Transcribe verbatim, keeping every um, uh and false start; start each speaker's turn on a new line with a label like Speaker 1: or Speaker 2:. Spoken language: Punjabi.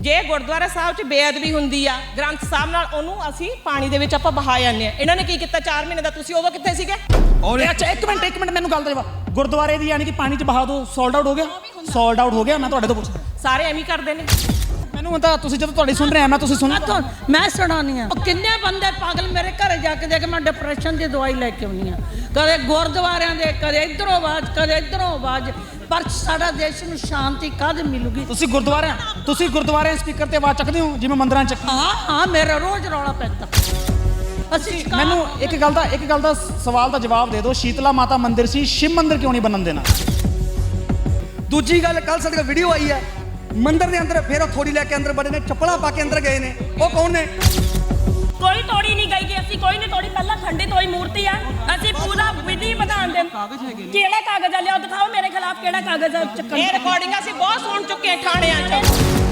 Speaker 1: ਜੇ ਗੁਰਦੁਆਰਾ ਸਾਹਿਬ 'ਚ ਬੇਅਦਬੀ ਹੁੰਦੀ ਆ ਗ੍ਰੰਥ ਸਾਹਿਬ ਨਾਲ, ਉਹਨੂੰ ਅਸੀਂ ਪਾਣੀ ਦੇ ਵਿੱਚ ਆਪਾਂ ਬਹਾ ਜਾਂਦੇ ਆ। ਇਹਨਾਂ ਨੇ ਕੀ ਕੀਤਾ ਚਾਰ ਮਹੀਨੇ ਦਾ? ਤੁਸੀਂ ਉਦੋਂ ਕਿੱਥੇ ਸੀਗੇ?
Speaker 2: ਔਰ ਅੱਛਾ ਇੱਕ ਮਿੰਟ ਇੱਕ ਮਿੰਟ ਮੈਨੂੰ ਗੱਲ ਤਾਂ ਗੁਰਦੁਆਰੇ ਦੀ ਯਾਨੀ ਕਿ ਪਾਣੀ 'ਚ ਬਹਾ ਦੋ ਸੋਲਡ ਆਊਟ ਹੋ ਗਿਆ? ਸੋਲਡ ਆਊਟ ਹੋ ਗਿਆ। ਮੈਂ ਤੁਹਾਡੇ ਤੋਂ ਪੁੱਛਦਾ,
Speaker 1: ਸਾਰੇ ਐਵੇਂ ਕਰਦੇ ਨੇ।
Speaker 2: ਮੈਨੂੰ ਤਾਂ ਤੁਸੀਂ ਜਦੋਂ ਤੁਹਾਡੀ ਸੁਣ ਰਹੇ ਆ ਮੈਂ ਤੁਸੀਂ ਸੁਣ
Speaker 3: ਮੈਂ ਸੁਣਾਉਣੀ ਆ। ਕਿੰਨੇ ਬੰਦੇ ਪਾਗਲ ਮੇਰੇ ਘਰੇ ਜਾ ਕੇ ਦੇਖ, ਮੈਂ ਡਿਪਰੈਸ਼ਨ ਦੀ ਦਵਾਈ ਲੈ ਕੇ ਆਉਣੀ ਆ, ਕਦੇ ਗੁਰਦੁਆਰਿਆਂ ਦੇ, ਕਦੇ ਇੱਧਰੋਂ ਆਵਾਜ਼, ਕਦੇ ਇੱਧਰੋਂ ਆਵਾਜ਼। ਪਰ ਸਾਡਾ ਦੇਸ਼ ਨੂੰ ਸ਼ਾਂਤੀ ਕਦ ਮਿਲੂਗੀ?
Speaker 2: ਤੁਸੀਂ ਗੁਰਦੁਆਰੇ ਤੁਸੀਂ ਗੁਰਦੁਆਰੇ ਸਪੀਕਰ ਤੇ ਆਵਾਜ਼ ਚੱਕਦੇ ਹੋ ਜਿਵੇਂ ਮੰਦਰਾਂ 'ਚ?
Speaker 3: ਹਾਂ ਹਾਂ, ਮੇਰਾ ਰੋਜ਼ ਰੌਲਾ ਪੈਂਦਾ। ਅਸੀਂ
Speaker 2: ਮੈਨੂੰ ਇੱਕ ਗੱਲ ਦਾ ਇੱਕ ਗੱਲ ਦਾ ਸਵਾਲ ਦਾ ਜਵਾਬ ਦੇ ਦਿਓ, ਸ਼ੀਤਲਾ ਮਾਤਾ ਮੰਦਿਰ ਸੀ, ਸ਼ਿਵ ਮੰਦਿਰ ਕਿਉਂ ਨਹੀਂ ਬਣਨ ਦੇਣਾ?
Speaker 4: ਦੂਜੀ ਗੱਲ, ਕੱਲ ਸਾਡੇ ਕੋਲ ਵੀਡੀਓ ਆਈ ਹੈ ਮੰਦਿਰ ਦੇ ਅੰਦਰ, ਫਿਰ ਉਹ ਥੋੜੀ ਲੈ ਕੇ ਅੰਦਰ ਬੜੇ ਨੇ, ਚੱਪਲਾਂ ਪਾ ਕੇ ਅੰਦਰ ਗਏ ਨੇ। ਉਹ ਕੌਣ ਨੇ?
Speaker 5: ਕੋਈ ਤੋੜੀ ਨਹੀਂ ਗਈ ਕਿ ਅਸੀਂ ਕੋਈ ਨਹੀਂ ਤੋੜੀ। ਪਹਿਲਾਂ ਖੰਡਿਤ ਹੋਈ ਮੂਰਤੀ ਆ, ਅਸੀਂ ਪੂਰਾ ਵਿਧੀ ਵਿਧਾਨ ਦੇ ਕਿਹੜਾ ਕਾਗਜ਼ ਆ, ਲਿਆਓ ਦਿਖਾਓ ਮੇਰੇ ਖਿਲਾਫ ਕਿਹੜਾ ਕਾਗਜ਼ ਆ ਚੱਕਣ।
Speaker 1: ਇਹ ਰਿਕਾਰਡਿੰਗ ਅਸੀਂ ਬਹੁਤ ਸੁਣ ਚੁੱਕੇ ਹਾਂ ਥਾਣਿਆਂ 'ਚ।